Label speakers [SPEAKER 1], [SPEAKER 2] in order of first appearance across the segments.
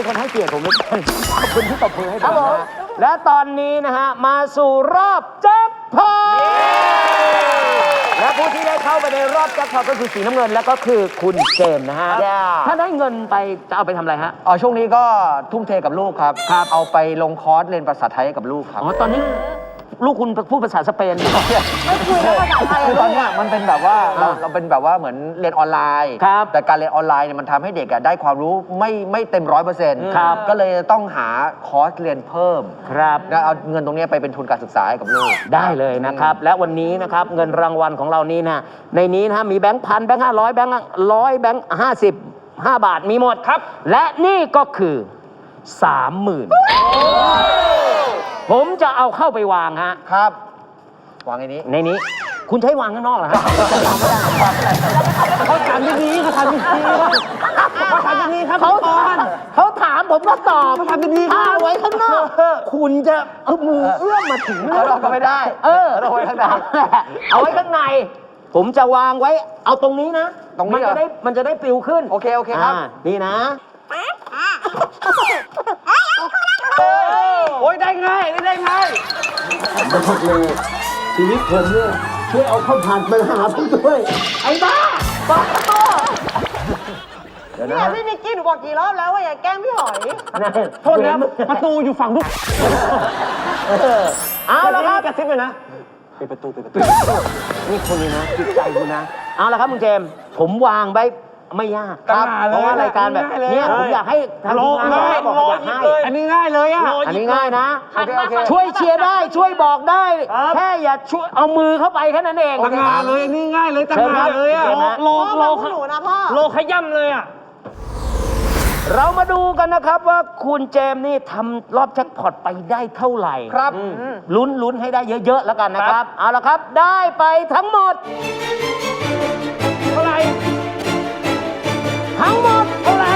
[SPEAKER 1] คนให้เกียรติผมเหลือเกินขอบคุณที่ตบมือให้ผมนะและตอนนี้นะฮะมาสู่รอบแจ็คพอตและผู้ที่ได้เข้าไปในรอบแจ็คพอตก็คือสีน้ำเงินและก็คือคุณเจมส์นะฮะถ้าได้เงินไปจะเอาไปทำอะไรฮะ
[SPEAKER 2] ช่วงนี้ก็ทุ่มเทกับลูกครับเอาไปลงคอร์สเรียนภาษาไทยกับลูกครับ
[SPEAKER 1] ตอนนี้ลูกคุณพูดภาษาสเปนไม่
[SPEAKER 3] คุยภาษาไทย
[SPEAKER 2] ตอนนี้มันเป็นแบบว่าเราเป็นแบบว่าเหมือนเรียนออนไลน์แต่การเรียนออนไลน์เนี่ยมันทำให้เด็กได้ความรู้ไม่เต็ม100%ก็เลยต้องหาคอร์สเรียนเพิ่ม
[SPEAKER 1] ครับ
[SPEAKER 2] แล้วเอาเงินตรงนี้ไปเป็นทุนการศึกษาให้กับลูก
[SPEAKER 1] ได้เลยนะครับและวันนี้นะครับเงินรางวัลของเรานี้นะในนี้นะมีแบงค์พันแบงค์500แบงค์100แบงค์50 5 บาทมีหมดครับและนี่ก็คือ 30,000ผมจะเอาเข้าไปวางฮะ
[SPEAKER 2] ครับวางใน
[SPEAKER 1] นี้คุณใช้วางข้างนอกเหรอฮะ
[SPEAKER 2] เขาถามดีๆเขาถามดีๆเขาถามดีๆครับ
[SPEAKER 1] เขาถามผมก็ตอบ
[SPEAKER 2] เขาถามดีๆ
[SPEAKER 1] ถ้าไว้ข้างนอกคุณจะเอามือเอื้อมมาถึง
[SPEAKER 2] เราก็ไม่ได้
[SPEAKER 1] เอาไว้ข้างในเอาไว้ข้างในผมจะวางไว้เอาตรงนี้นะ
[SPEAKER 2] ตรงนี้
[SPEAKER 1] มันจะได้ปลิวขึ้น
[SPEAKER 2] โอเคครับ
[SPEAKER 1] นี่นะ
[SPEAKER 2] โอ้ยได้ง่าย
[SPEAKER 1] บอกเลยชีวิตผมเนี่ยช่วยเอาข้าวผัดมาหาผมด้วยไอ้บ้าบอกต่อ
[SPEAKER 3] เนี่ยพี่นิกกี้หนูบอกกี่รอบแล้วว่าอย่าแกล้งพี่หอย
[SPEAKER 1] โทษนะประตูอยู่ฝั่งทุกเอาละครับ
[SPEAKER 2] กระซิบเลยนะ
[SPEAKER 1] ปิดประตูนี่คนนี้นะจิตใจคุณนะเอาละครับมึงเจมผมวางไว้ไม่ยากเพราะว่ารายการแบบนี้ผมอยากให้ทางทีมงานบอกอยากให้
[SPEAKER 2] อันนี้ง่ายเลย
[SPEAKER 1] อันนี้ง่ายนะช่วยเชียร์ได้ช่วยบอกได้แค่อย่าช่วยเอามือเข้าไปแค่นั้นเอง
[SPEAKER 2] ตั้งงานเลยอันนี้ง่ายเลยตั้งงานเลย
[SPEAKER 3] โล
[SPEAKER 2] ขย่ำเลย
[SPEAKER 1] เรามาดูกันนะครับว่าคุณเจมส์นี่ทำรอบแจ็คพอตไปได้เท่าไหร่
[SPEAKER 2] ครับ
[SPEAKER 1] ลุ้นให้ได้เยอะๆแล้วกันนะครับเอาละครับได้ไปทั้งหมด
[SPEAKER 2] เท่าไหร่
[SPEAKER 1] ทั้งหมดเท่าไหร่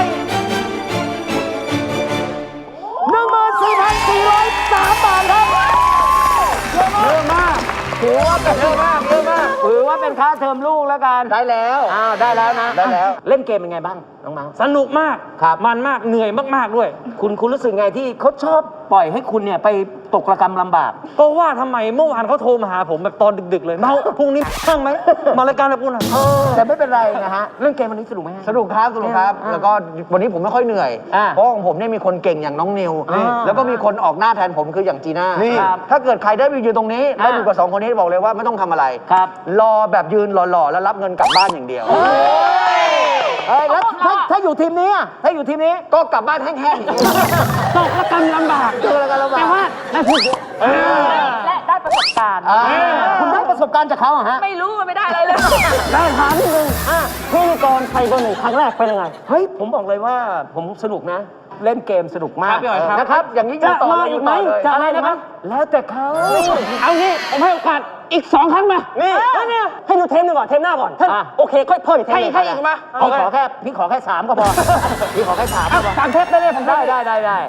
[SPEAKER 1] 14,403 บาทครับ
[SPEAKER 2] เยอะมากถือว่าเป็นเยอะมาก
[SPEAKER 1] ถือว่าเป็นค่าเทอมลูกแล้วกัน
[SPEAKER 2] ได้แล้ว
[SPEAKER 1] ได้แล้วนะเล่นเกมเป็นไงบ้างน้องๆ
[SPEAKER 2] สนุกมากมันมากเหนื่อยมากๆด้วย
[SPEAKER 1] คุณรู้สึกไงที่เขาชอบปล่อยให้คุณเนี่ยไปตกระกำลำบาก
[SPEAKER 2] ก็ว่าทำไมเมื่อวานเขาโทรมาหาผมแบบตอนดึกๆเลยเมาพรุ่งนี้ตั้งไหมมารายการแบบคุณ
[SPEAKER 1] แต่ไม่เป็นไรนะฮะเล่นเกมวันนี้สนุกไหม
[SPEAKER 2] สนุกครับแล้วก็วันนี้ผมไม่ค่อยเหนื่อยเพราะของผมเนี่ยมีคนเก่งอย่างน้องนิวแล้วก็มีคนออกหน้าแทนผมคืออย่างจีน่าถ้าเกิดใครได้ไปยืนตรงนี้ได้อยู่กับ2 คนนี้บอกเลยว่าไม่ต้องทำอะไรรอแบบยืนหล่อๆแล้วรับเงินกลับบ้านอย่างเดียว
[SPEAKER 1] แล้วถ้าอยู่ทีมนี้
[SPEAKER 2] ก็กลับบ้านแห้งๆตกระกำลำบาก
[SPEAKER 1] แต่ว่าได้พูด
[SPEAKER 3] และได้ประสบการณ์
[SPEAKER 1] คุณได้ประสบการณ์จากเขาฮะ
[SPEAKER 3] ไม่รู้มันไม่ได้อะไรเลย
[SPEAKER 1] ได้ถามนิดนึงพิธีกรไทยคนหนึ่งครั้งแรกเป็นยังไงเฮ้ยผมบอกเลยว่าผมสนุกนะเล่นเกมสนุกมากนะครับอย่างนี้จะต่ออีกไหมจะอะไรนะครับแล้วแต่เขา
[SPEAKER 2] เอางี้ผมให้โอกาสอีก2 ครั้งมา
[SPEAKER 1] นี่
[SPEAKER 2] ให้ดูเทมหนึ่งก่อนเทมหน้าก่อนท่านโอเคค่อยเพิ่มอีกเทม
[SPEAKER 1] ให้อีกมาพี่ขอแค่3ก็พอพี่ขอแค่3ก็พอ
[SPEAKER 2] 3 เทปได้เลยผม
[SPEAKER 1] ได้